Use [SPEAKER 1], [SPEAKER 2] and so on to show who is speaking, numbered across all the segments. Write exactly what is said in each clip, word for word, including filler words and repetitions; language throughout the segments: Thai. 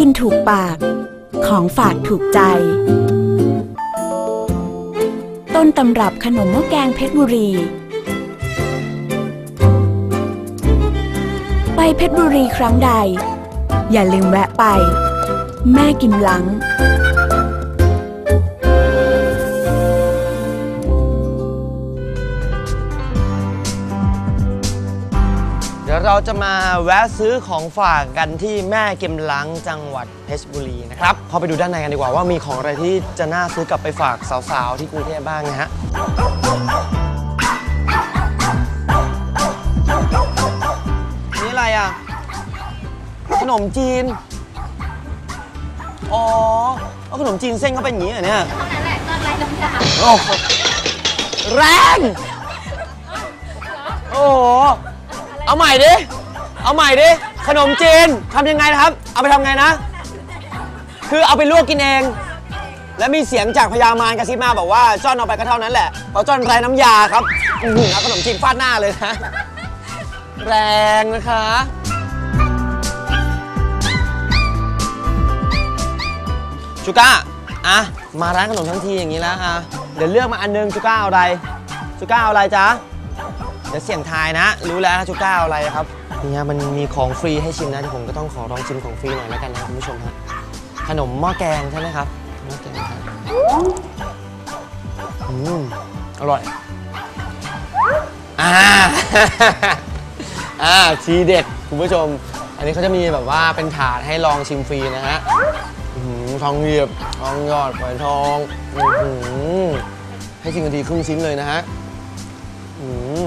[SPEAKER 1] ถูกปากของฝากถูกใจต้นตำรับขนมหม้อแกงเพชรบุรีไปเพชรบุรีครั้งใดอย่าลืมแวะไปแม่กิมหลัง
[SPEAKER 2] เดี๋ยวเราจะมาแวะซื้อของฝากกันที่แม่กิมหลังจังหวัดเพชรบุรีนะครับเข้าไปดูด้านในกันดีกว่าว่ามีของอะไรที่จะน่าซื้อกลับไปฝากสาวๆที่กรุงเทพบ้างนะฮะนี่อะไรอ่ะขนมจีนอ๋อเอาขนมจีนเส้นเข้าไปอย่างนี้เหรอเนี่ยนั่นแหละตอนไรน้ำยาโอ้แรงโอ้โหเอาใหม่ดิ เอาใหม่ดิ ขนมจีนทำยังไงนะครับ เอาไปทำไงนะ คือเอาไปลวกกินเอง แล้วมีเสียงจากพญามารกระซิบมาบอกว่าจ้อนเอาไปก็เท่านั้นแหละเพราะจ้อนไร้น้ำยาครับอือหือเอาขนมจีนฟาดหน้าเลยนะ แรงนะคะชูก้าอ่ะมาร้านขนมทั้งทีอย่างนี้แล้วอ่ะเดี๋ยวเลือกมาอันนึงชูก้าเอาอะไรชูก้าเอาอะไรจ๊ะเดี๋ยวเสี่ยงทายนะรู้แล้วชูก้าเอาอะไรครับเนี่ยมันมีของฟรีให้ชิมนะที่ผมก็ต้องขอลองชิมของฟรีหน่อยแล้วกันนะคุณผู้ชมฮะขนมหม้อแกงใช่ไหมครับหม้อแกงครับอืมอร่อยอ่า อ่าทีเด็ดคุณผู้ชมอันนี้เขาจะมีแบบว่าเป็นถาดให้ลองชิมฟรีนะฮะทองเหยียบทองหยอดฝอยทองให้ชิมกันทีครึ่งชิ้นเลยนะฮะอืม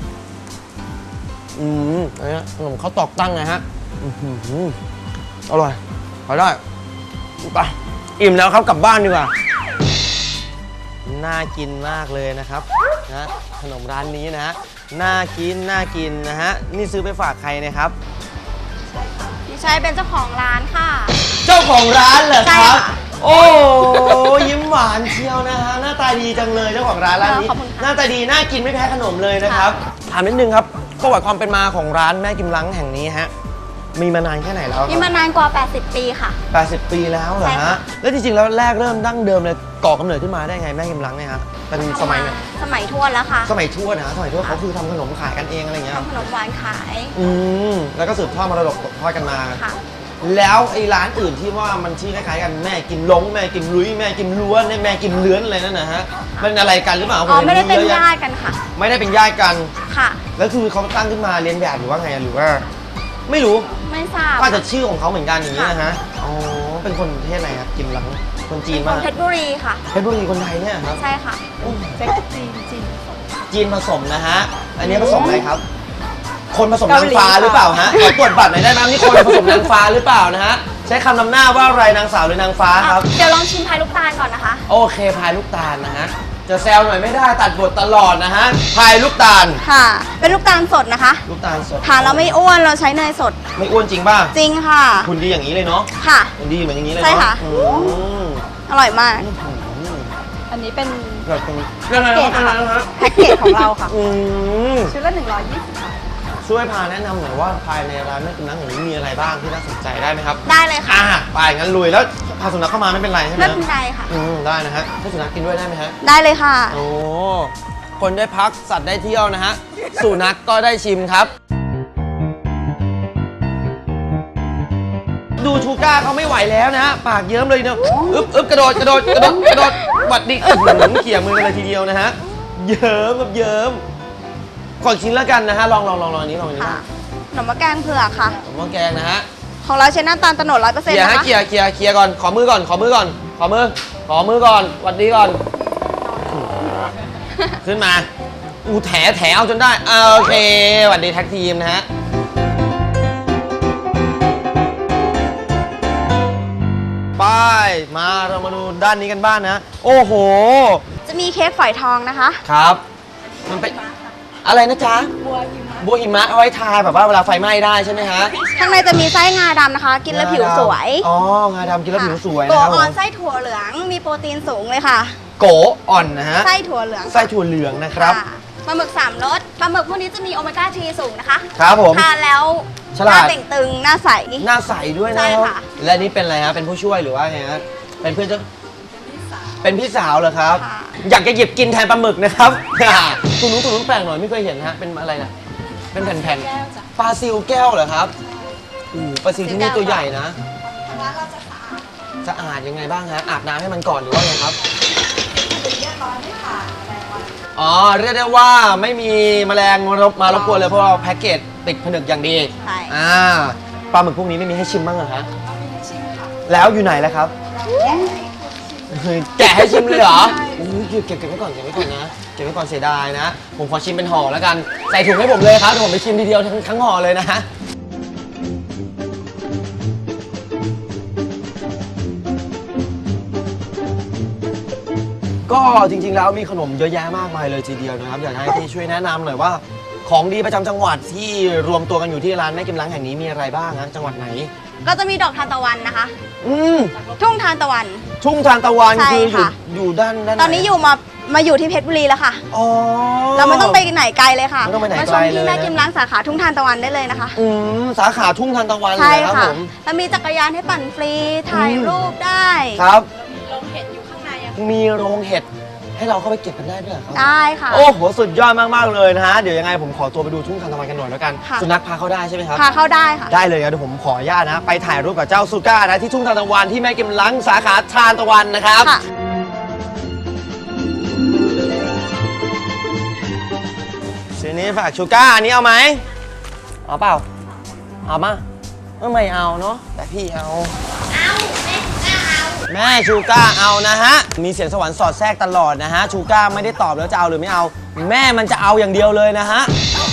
[SPEAKER 2] อืมอันนี้ขนมข้าวตอกตั้งนะฮะอร่อยพอได้ไปอิ่มแล้วครับกลับบ้านดีกว่าน่ากินมากเลยนะครับนะขนมร้านนี้นะฮะน่ากินน่ากินนะฮะนี่ซื้อไปฝากใครนะครับ
[SPEAKER 3] พี่ชัยเป็นเจ้าของร้านค่ะ
[SPEAKER 2] เจ้าของร้านเหรอครับโอ้ยิ้มหวานเชียวนะฮะหน้าตาดีจังเลยเจ้าของร้านร้านนี้หน้าตาดีน่ากินไม่แพ้ขนมเลยนะครับถามนิดนึงครับประวัติความเป็นมาของร้านแม่กิมหลังแห่งนี้ฮะมีมานานแค่ไหนแล้ว
[SPEAKER 3] มีมานานกว่าแปดสิบปีค่ะ
[SPEAKER 2] แปดสิบปีแล้วเหรอฮะแล้วจริงๆแล้วแรกเริ่มดั้งเดิมเลยก่อกำเนิดขึ้นมาได้ไงแม่กิมหลังเนี่ยฮะเป็นสมัยไหน
[SPEAKER 3] สมัยทวดแล้วค่ะ
[SPEAKER 2] สมัยทวดนะสมัยทวดเขาคือทำขนมขายกันเองอะไรเงี้ย
[SPEAKER 3] ทำขนมหวานขาย
[SPEAKER 2] อืมแล้วก็สืบทอดมรดกตกทอดกันมาแล้วไอ้ร้านอื่นที่ว่ามันชื่อคล้ายๆกันแม่กิมล้งแม่กิมลุยแม่กิมล้วนแม่กิมเลื้อนอะไรนั่นนะฮะมันอะไรกันหรือเปล่า
[SPEAKER 3] อ๋อไม่ได้เป็นญาติกันค่ะ
[SPEAKER 2] ไม่ได้เป็นญาติกัน
[SPEAKER 3] ค่ะ
[SPEAKER 2] แล้วคือเขาตั้งขึ้นมาเรียนแบบหรือว่าไงหรือว่าไม่รู้
[SPEAKER 3] ไม่ทราบ
[SPEAKER 2] ก็จะชื่อของเขาเหมือนกันอย่างนี้นะฮะอ๋อเป็นคนประเทศอะไรครับกิมหลังคนจีนมาก
[SPEAKER 3] เพชรบุรีค่ะ
[SPEAKER 2] เพชรบุรีคนไทยเนี่ยครับ
[SPEAKER 3] ใช่ค่ะ
[SPEAKER 1] เป็นจีนจีน
[SPEAKER 2] จีนผสมนะฮะอันนี้ผสมอะไรครับคนผสมนางฟ้าหรือเปล่าฮะขอตรวจบัตรหน่อยได้ไหมนี่คนผสมนางฟ้าหรือเปล่านะฮะใช้คำนำหน้าว่าอะไรนางสาวหรือนางฟ้าครับ
[SPEAKER 3] เดี๋ยวลองชิมพายลูกตาลก่อนนะคะ
[SPEAKER 2] โอเคพายลูกตาลนะฮะจะแซวหน่อยไม่ได้ตัดบทตลอดนะฮะพายลูกตาล
[SPEAKER 3] ค่ะเป็นลูกตาลสดนะคะ
[SPEAKER 2] ลูกตาลสด
[SPEAKER 3] ทานเราไม่อ้วนเราใช้เนยสด
[SPEAKER 2] ไม่อ้วนจริงป่ะ
[SPEAKER 3] จริงค่ะ
[SPEAKER 2] คุณดีอย่างนี้เลยเนาะ
[SPEAKER 3] ค่ะ
[SPEAKER 2] คุณดีเหมือนอย่างนี้เลย
[SPEAKER 3] ใช่ค่ะอร่อยมาก
[SPEAKER 1] อันนี้เป็น
[SPEAKER 2] แพ็
[SPEAKER 1] กเกจของเราค่ะชุดละหนึ่งร้อยยี่สิบบาท
[SPEAKER 2] ช่วยพาแนะนำหน่อยว่าภายในร้านแม่กิมหลังแห่งนี้มีอะไรบ้างที่น่าสนใจได้ไหมครับ
[SPEAKER 3] ได้เลยค่ะ
[SPEAKER 2] อ่าไปงั้นลุยแล้วพาสุนัขเข้ามาไม่เป็นไรใช่ไหม
[SPEAKER 3] ไม่เป็นไรค่ะ
[SPEAKER 2] อืมได้นะฮะให้สุนัขกินด้วยได้ไหมฮะ
[SPEAKER 3] ได้เลยค่ะ
[SPEAKER 2] โอ้คนได้พักสัตว์ได้เที่ยวนะฮะสุนัขก็ได้ชิมครับดูชูก้าเขาไม่ไหวแล้วนะฮะปากเยิ้มเลยเนาะอึ๊บอึ๊บกระโดดกระโดดกระโดดกระโดดวัดดิหนุนเขี่ยมือกันเลยทีเดียวนะฮะเยิ้มแบบเยิ้มขอชิ้นแล้วกันนะฮะลองลองลองลองอันนี้ลองอันนี้
[SPEAKER 3] ขนมหม้อแกงเผือกค่ะ
[SPEAKER 2] ขนมหม้อแกงนะฮะ
[SPEAKER 3] ของเราใช้น้ำตาลโตนดร้อยเปอร์เซ็นต์นะคะ
[SPEAKER 2] เคลียร์เคลียร์เคลียร์ก่อนขอมือก่อนขอมือก่อนขอมือขอมือก่อนวัดดีก่อนขึ้นมาอูแถแถเอาจนได้โอเคสวัสดีแท็กทีมนะฮะไปมาเรามาดูด้านนี้กันบ้างนะโอ้โห
[SPEAKER 3] จะมีเค้กฝอยทองนะคะ
[SPEAKER 2] ครับมันเป็นอะไรนะจ๊ะบัวหิมะบัวหิมะเอาไว้ทาแบบว่าเวลาไฟไหม้ได้ใช่ไหมฮะ
[SPEAKER 3] ข้างในจะมีไส้งาดำนะคะกินแล้วผิวสวย
[SPEAKER 2] อ๋องาดำกินแล้วผิวสวยนะโก
[SPEAKER 3] อ่อนไส้ถั่วเหลืองมีโปรตีนสูงเลยค่ะ
[SPEAKER 2] โกอ่อนนะฮะ
[SPEAKER 3] ไส้ถั่วเหลือง
[SPEAKER 2] ไส้ถั่วเหลืองนะครับ
[SPEAKER 3] ปลาหมึกสามรสปลาหมึกพวกนี้จะมีโอเมก้าสามสูงนะคะ
[SPEAKER 2] ครับผม
[SPEAKER 3] ทานแล้ว
[SPEAKER 2] ฉ
[SPEAKER 3] ห
[SPEAKER 2] ลา
[SPEAKER 3] น้า
[SPEAKER 2] ด
[SPEAKER 3] เต่งตึงหน้าใส
[SPEAKER 2] หน้าใสด้วยนะ
[SPEAKER 3] ใช่ค่ะ
[SPEAKER 2] และนี่เป็นอะไรฮะเป็นผู้ช่วยหรือว่าไงฮะเป็นเพื่อนเจ้าเป็นพี่สาวเหรอครับ
[SPEAKER 3] ค่ะ
[SPEAKER 2] อยากจะหยิบกินแทนปลาหมึกนะครับ คุณรู้คุณรู้แปลกหน่อยไม่เคยเห็นฮะเป็นอะไรนะเป็นแผ่นๆปลาซิวแก้วเหรอครับอู้ปลาซิวที่นี่ตัวใหญ่นะ
[SPEAKER 3] ทางร้านเราจะสะอาด
[SPEAKER 2] สะอาดยังไงบ้างฮะอาบน้ำให้มันก่อนหรือว่าไงครับ
[SPEAKER 3] เรียบร้อยไม่ขาดอะไรวัน
[SPEAKER 2] อ๋อเรียกได้ว่าไม่มีแมลงมารบมารบกวนเลยเพราะเราแพ็กเกจติดผนึกอย่างดี
[SPEAKER 3] ใช่
[SPEAKER 2] อ่าปลาหมึกพวกนี้ไม่มีให้ชิมบ้างเหรอฮะแล้วอยู่ไหนแล้วครับแกะให้ชิมเลยเหรออุ้ยเก็บเก็บไว้ก่อนเก็บไว้ก่อนนะเก็บไว้ก่อนเสียดายนะ ผมขอชิมเป็นห่อแล้วกันใส่ถุงให้ผมเลยครับเดี๋ยวผมไปชิมทีเดียวทั้งทั้งห่อเลยนะฮะก็จริงๆแล้วมีขนมเยอะแยะมากมายเลยทีเดียวนะครับอยากให้พี่ช่วยแนะนำหน่อยว่าของดีประจำจังหวัดที่รวมตัวกันอยู่ที่ร้านแม่กิมล้างแห่งนี้มีอะไรบ้างฮะจังหวัดไหน
[SPEAKER 3] ก็จะมีดอกทานตะวันนะคะ
[SPEAKER 2] อืม
[SPEAKER 3] ทุ่งทานตะวัน
[SPEAKER 2] ทุ่งทานตะวัน
[SPEAKER 3] ใช่
[SPEAKER 2] คืออยู่
[SPEAKER 3] ค่ะ
[SPEAKER 2] อยู่ด้านด้านไห
[SPEAKER 3] ตอนนี้อยู่มามาอยู่ที่เพชรบุรีแล้วค่ะ
[SPEAKER 2] อ๋อ
[SPEAKER 3] เราไม่ต้องไปไหนไกลเลยค่ะ
[SPEAKER 2] ไม่ต้องไปไหน
[SPEAKER 3] มา
[SPEAKER 2] ไก
[SPEAKER 3] ช
[SPEAKER 2] ล
[SPEAKER 3] ม
[SPEAKER 2] เลย
[SPEAKER 3] ที่แม่
[SPEAKER 2] นะ
[SPEAKER 3] กิมล้างสาขาทุ่งทานตะวันได้เลยนะคะ
[SPEAKER 2] อืมสาขาทุ่งทานตะวันเล
[SPEAKER 3] ใช่
[SPEAKER 2] ยนะครับ
[SPEAKER 3] ค่ะ
[SPEAKER 2] ผม
[SPEAKER 3] แล้วมีจักรยานให้ปั่นฟรีถ่ายรูปได้
[SPEAKER 2] ครับ
[SPEAKER 3] ลงเห็ดอยู่ข้างในอะ
[SPEAKER 2] มีโรงเห็ดให้เราเข้าไปเก็บกันได้ด้วยเหรอครับ
[SPEAKER 3] ได้ค่ะ
[SPEAKER 2] โอ้โหสุดยอดมากๆเลยนะฮะเดี๋ยวยังไงผมขอตัวไปดูทุ่งทานตะวันกันหน่อยแล้วกัน
[SPEAKER 3] ค่ะ
[SPEAKER 2] สุนัขพาเข้าได้ใช่ไหมครับ
[SPEAKER 3] พาเข้าได้ค่ะ
[SPEAKER 2] ได้เลยครับเดี๋ยวผมขออนุญาตนะไปถ่ายรูปกับเจ้าซูก้านะที่ทุ่งทานตะวันที่แม่กิมล้างสาขาทานตะวันนะครับ
[SPEAKER 3] ค่ะ
[SPEAKER 2] ทีนี้ฝากชูก้าอันนี้เอาไหมเอาเปล่าเอามาเออไม่เอาเนาะแต่พี่เอา แม่ชูก้าเอานะฮะ มีเสียงสวรรค์สอดแทรกตลอดนะฮะ ชูก้าไม่ได้ตอบแล้วจะเอาหรือไม่เอา แม่มันจะเอาอย่างเดียวเลยนะฮะ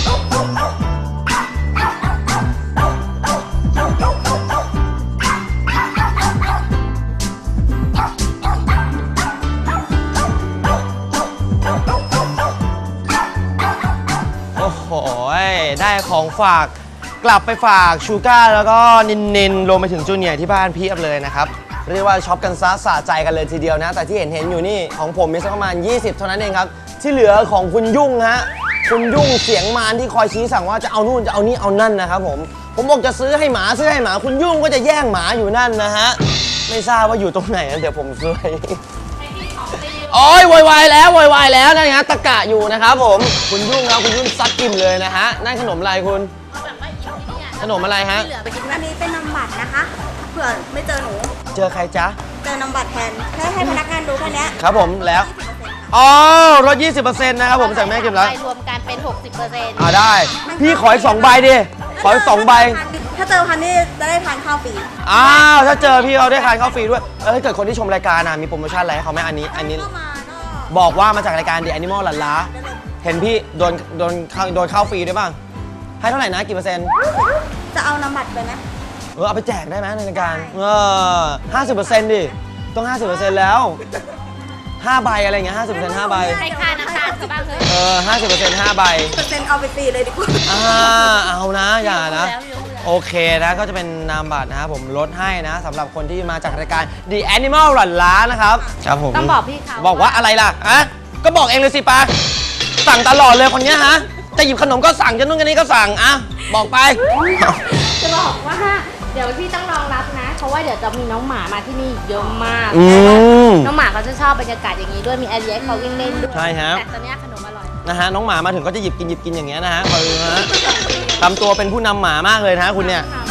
[SPEAKER 2] โอ้โห ได้ของฝากกลับไปฝากชูก้าแล้วก็นินนินรวมไปถึงจูเนียร์ที่บ้านเพียบเลยนะครับ เรียกว่าช็อปกันซะสะใจกันเลยทีเดียวนะ แต่ที่เห็นเห็นอยู่นี่ของผมมีสักประมาณยี่สิบเท่านั้นเองครับ ที่เหลือของคุณยุ่งฮะ คุณยุ่งเสียงมารที่คอยชี้สั่งว่าจะเอานู่นจะเอานี่เอานั่นนะครับผม ผมบอกจะซื้อให้หมาซื้อให้หมาคุณยุ่งก็จะแย่งหมาอยู่นั่นนะฮะ ไม่ทราบว่าอยู่ตรงไหนนะเดี๋ยวผมซื้อให้โอ้ยโวยวายแล้วโวยวายแล้วนะฮะตะกะอยู่นะครับผม คุณยุ่งครับคุณยุ่งซัดกิมเลยนะฮะ นั่นขนมอะไรคุณ ขนมอะไรฮะ
[SPEAKER 3] อันนี้เป็นนำบัตรนะคะ เผื่อไม่เจอหนู
[SPEAKER 2] เจอใครจ๊ะ
[SPEAKER 3] เจอนำบัตรแทนแค่ให้พนักงานดูแค่เนี้ย
[SPEAKER 2] ครับผมแล้ว อ๋อลด ยี่สิบเปอร์เซ็นต์ นะครับผมจากแม่กิมแล้ว
[SPEAKER 4] รวมกันเป็น หกสิบเปอร์เซ็นต์
[SPEAKER 2] อ่าได้ พี่ขออีกสองใบดิ ขออีกสองใบ
[SPEAKER 3] ถ้าเจอพันนี่จะได้ทานข้าวฟรี
[SPEAKER 2] อ้าว ถ้าเจอพี่เขาได้ทานข้าวฟรีด้วย เออถ้าเกิดคนที่ชมรายการนะมีโปรโมชั่นอะไรให้เขาไหมอันนี้ อันนี้
[SPEAKER 3] ก็มาก็
[SPEAKER 2] บอกว่ามาจากรายการ The Animal หลันล้า เห็นพี่โดนโดนข้าวโดนข้าวฟรีด้วยป่ะ ให้เท่าไหร่นะกี่เปอร์เซ็นต์
[SPEAKER 3] จะเอานำบัตรไปไหม
[SPEAKER 2] เออเอาไปแจกได้ไหมในรายการ เออห้าสิบเปอร์เซ็นต์ดิ ต้องห้าสิบเปอร์เซ็นต์แล้วห้าใบอะไรเงี้ยห้าสิบเปอร์เซ็นต์ห้าใบ
[SPEAKER 4] ให้ค่าน้ำตาลเขาบ้างเถอะ
[SPEAKER 2] เออห้าสิบเปอร์เซ็นต์ห้าใบ
[SPEAKER 3] เปอร์เซ็นต์เอาไปฟรีเลยดีกว่า
[SPEAKER 2] อ่าเอานะอย่านะ
[SPEAKER 4] แล้วรู้แล้ว
[SPEAKER 2] โอเคนะก็จะเป็นนามบัตรนะครับผมลดให้นะสำหรับคนที่มาจากรายการ The Animal หลั่นล้านะครับครับผม
[SPEAKER 4] ต้องบอกพี่เขา
[SPEAKER 2] บอกว่าอะไรล่ะอะก็บอกเองเลยสิปาสั่งตลอดเลยคนเนี้ยฮะจะหยิบขนมก็สั่งจะนู่นกันนี้ก็สั่งอ่ะบอกไป
[SPEAKER 4] จะบอกว่าเดี๋ยวพี่ต้องรองรับนะ เพราะว่าเดี๋ยวจะมีน้องหมามาที่นี่เยอะมาก
[SPEAKER 2] อืม
[SPEAKER 4] น้องหมาเขาจะชอบบรรยากาศอย่างนี้ด้วยมีแอร์เรียให้เขาวิ่งเล่นด้วย
[SPEAKER 2] ใช่ครับ
[SPEAKER 4] แต่ตอนเนี้ยขนมอร่อย
[SPEAKER 2] นะฮะน้องหมามาถึงก็จะหยิบกินหยิบกินอย่างเงี้ยนะฮะคอยดูนะฮะทำตัวเป็นผู้นำหมามากเลยนะฮะคุณเนี่ย
[SPEAKER 4] ค่ะ